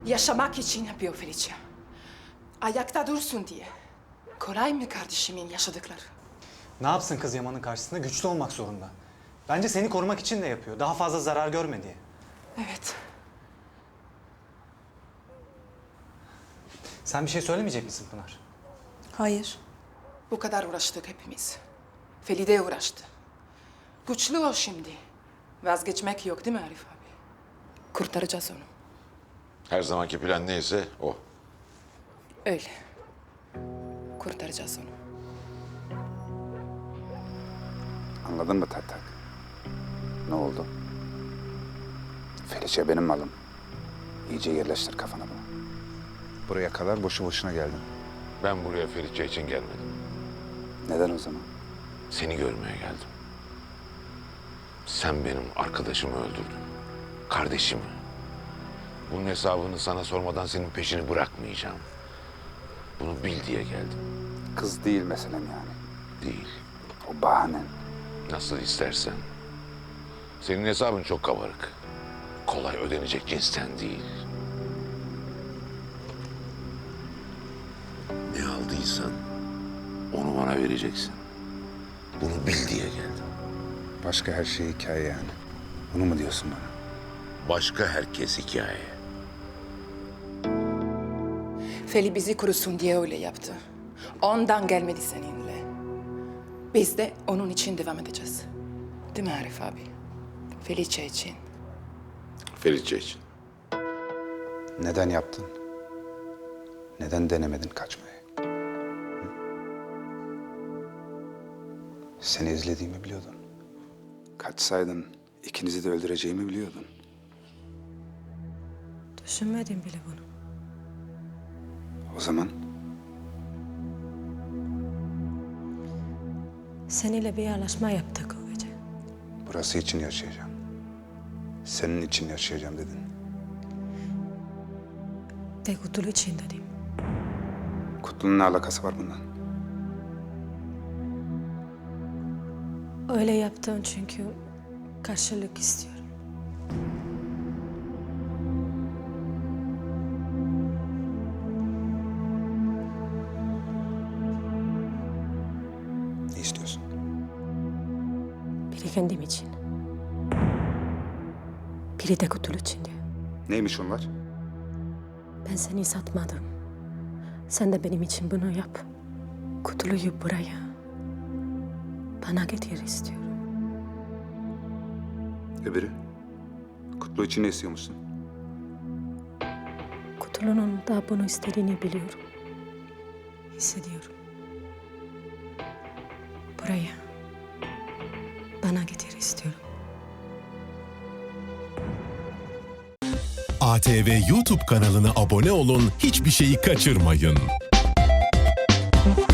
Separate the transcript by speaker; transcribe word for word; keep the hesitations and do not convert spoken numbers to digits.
Speaker 1: Yaşamak için yapıyor Felicia. Ayakta dursun diye. Kolay mı kardeşimin yaşadıkları?
Speaker 2: Ne yapsın kız Yaman'ın karşısında? Güçlü olmak zorunda. Bence seni korumak için de yapıyor. Daha fazla zarar görme diye.
Speaker 1: Evet.
Speaker 2: Sen bir şey söylemeyecek misin Pınar?
Speaker 3: Hayır.
Speaker 1: Bu kadar uğraştık hepimiz. Felide uğraştı. Güçlü o şimdi. Vazgeçmek yok değil mi Arif abi? Kurtaracağız onu.
Speaker 4: Her zamanki plan neyse o.
Speaker 1: Öyle. Kurtaracağız onu.
Speaker 5: Anladın mı Tak Tak? Ne oldu? Felice benim malım. İyice yerleştir kafana bunu. Buraya kadar boşu boşuna geldin.
Speaker 4: Ben buraya Ferice için gelmedim.
Speaker 5: Neden o zaman?
Speaker 4: Seni görmeye geldim. Sen benim arkadaşımı öldürdün. Kardeşimi. Bunun hesabını sana sormadan senin peşini bırakmayacağım. Bunu bil diye geldim.
Speaker 5: Kız değil meselem yani.
Speaker 4: Değil.
Speaker 5: O bahanen.
Speaker 4: Nasıl istersen. Senin hesabın çok kabarık. Kolay ödenecek cinsten değil. Ne aldıysan onu bana vereceksin. Bunu bil diye geldim.
Speaker 5: Başka her şey hikaye yani. Bunu mu diyorsun bana?
Speaker 4: Başka herkes hikaye.
Speaker 1: Feli bizi kurusun diye öyle yaptı. Ondan gelmedi seninle. Biz de onun için devam edeceğiz. Değil mi Arif abi? Felice için.
Speaker 4: Ferice için.
Speaker 5: Neden yaptın? Neden denemedin kaçmayı? Hı? Seni izlediğimi biliyordun. Kaçsaydın ikinizi de öldüreceğimi biliyordun.
Speaker 3: Düşünmedim bile bunu.
Speaker 5: O zaman
Speaker 3: Seninle bir anlaşma yaptık o gece.
Speaker 5: burası için yaşayacağım. Senin için yaşayacağım dedin.
Speaker 3: De Kutlu için dedim.
Speaker 5: Kutlu'nun ne alakası var bundan?
Speaker 3: Öyle yaptın çünkü karşılık istiyorum.
Speaker 5: Ne istiyorsun?
Speaker 3: Biri kendim için. Biri de Kutlu için diyor.
Speaker 5: Neymiş onlar?
Speaker 3: Ben seni satmadım. Sen de benim için bunu yap. Kutlu'yu buraya bana getir istiyorum.
Speaker 5: Öbürü? Kutlu için ne istiyormuşsun?
Speaker 3: Kutlu'nun da bunu istediğini biliyorum. Hissediyorum. Buraya bana getir istiyorum.
Speaker 6: A T V YouTube kanalına abone olun, hiçbir şeyi kaçırmayın.